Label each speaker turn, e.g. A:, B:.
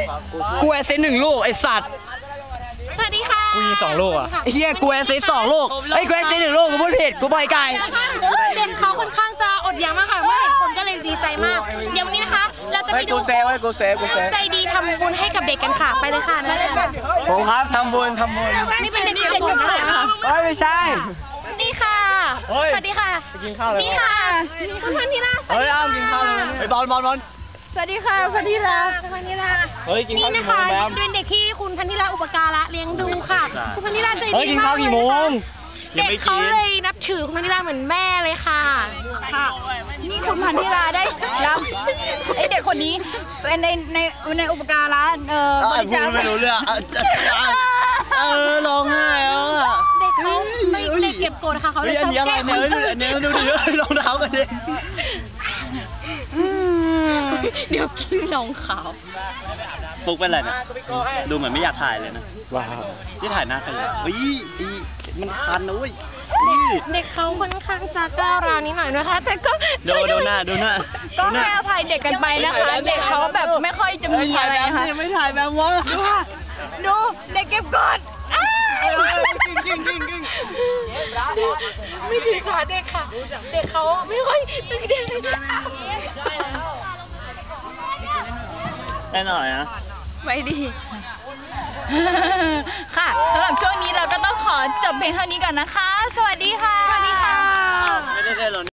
A: กูแอสซิสต์1 ลูกไอสัตว์
B: สวัสดีค่ะ
C: กูยิง2 ลูกอ่ะ
A: ไอ้เหี้ยกูแอสซิสต์2 ลูกไอ้กูแอสซิสต์1 ลูกกูพูดผิดกูบอยไก่
B: เด็กเขาค่อนข้างจะอดอยากมากค่ะเมื่อเห็นคนก็เลยดีใจมากเดี๋ยววันนี้นะคะเราจะไปดู
A: กูเซฟ
B: ใจดีทำบุญให้กับเด็กกันค่ะไปเลยค่ะนั่นเลยค่ะ
A: ผมครับทำบุญ
B: นี่เป็นเด็กๆคนนะคะ
A: ไม่ใช่
B: นี่ค่ะสวัสดีค่ะนี่ค่ะคุณพันธิราสวัสดีค่ะ
A: กินข้าวเลยไอ้บอล
B: สวัสดีค่ะพันธิรานี่นะคะเป็นเด็กที่คุณพันธิราอุปการะเลี้ยงดูค่ะคุณพันธิราใจดีมากเลยกินข้าวกี่โมงเด็กเขาเลยนับถือคุณพันธิราเหมือนแม่เลยค่ะ
D: นี่คุณพันธิราได้รับไอเด็กคนนี้เป็นในอุปการะบริจาค
A: ไม่รู้เรื่องร้องไห้แล้วอ่ะ
B: เด็กเขาเด็กเก็บกดค่ะเขาเลยชอบแกล้งคนอื่น
A: ดูดิรองเท้ากันดิ
B: เดี๋ยวกินรองขาว
A: ฟุกเป็นไรนะดูเหมือนไม่อยากถ่ายเลยนะว้าวที่ถ่ายหน้าใครเลยมันคันนะเว้ย
B: เด็กเขาค่อนข้างจะก้าวร้าวนิดหน่อยนะคะแต่ก็
A: ดูหน้า
D: ก็ให้อภัยเด็กกันไปนะคะเด็กเขาแบบไม่ค่อยจะมีอะไรนะคะ
A: ไม่ถ่ายแบบว่า
D: ดูเด็กเก็บกด
B: ไม่ดีค่ะเด็กค่ะเด็กเขาไม่ค่อยตึงเด็กเลย
A: ได้หน่อยนะ
D: ไม่ดีค่ะสำหรับช่วงนี้เราก็ต้องขอจบเพียงเท่านี้ก่อนนะคะสวัสดีค่ะ
B: สวัสดีค่ะ
A: ไม่ได้หรอ